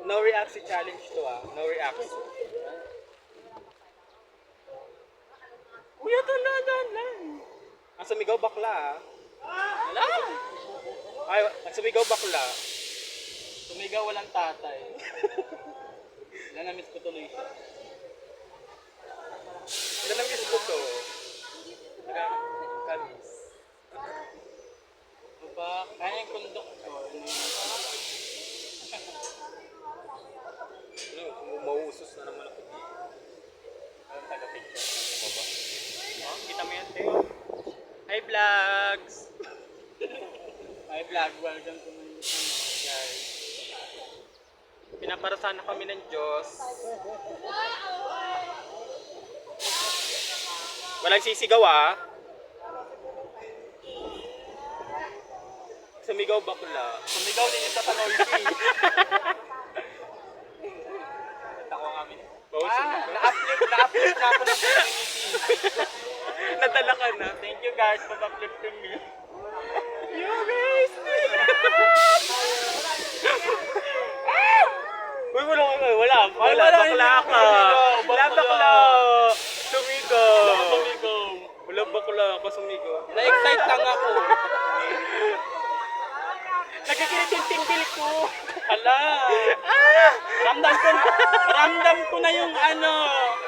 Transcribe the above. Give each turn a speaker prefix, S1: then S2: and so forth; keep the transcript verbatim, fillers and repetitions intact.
S1: No react si challenge to ah. No react. Kuya, tandaan lang. Ang sumigaw bakla ah.
S2: Wala!
S1: Ay, ang sumigaw bakla.
S2: Tumigaw walang tatay. Nanamiss ko tuloy siya.
S1: Ilan ang miss ko to? Kamis.
S2: Ano ba? Kaya yung konduktor. Ano yun?
S1: Ano, mauusos na naman ako dito.
S2: Ang taga-picture.
S1: Ano ba? Oh, kita mo yan, Teo. Hi, vlogs!
S2: Hi vlog, welcome to my
S1: Guys. Pinaparasan na kami ng Diyos. Walang sisigaw ah. Sumigaw bakla.
S2: Sumigaw din ito sa noisy. Ako kami.
S1: Wow,
S2: Ah, na-uplift, na-uplift na ako ng community.
S1: nadala ka na.
S2: Thank you guys for uplifting me.
S1: You guys! Uy, wala ka. Wala. Wala.
S2: wala,
S1: Bakla
S2: hindi
S1: ka.
S2: ako
S1: Wala
S2: sumigaw.
S1: bakla. Sumigaw.
S2: Sumigaw.
S1: Wala bakla ka sumigaw.
S2: Na-excite lang ako.
S1: Nagkikilit yung tingkil ko.
S2: Hala.
S1: Ah!
S2: Ramdam ko, ramdam ko na yung ano.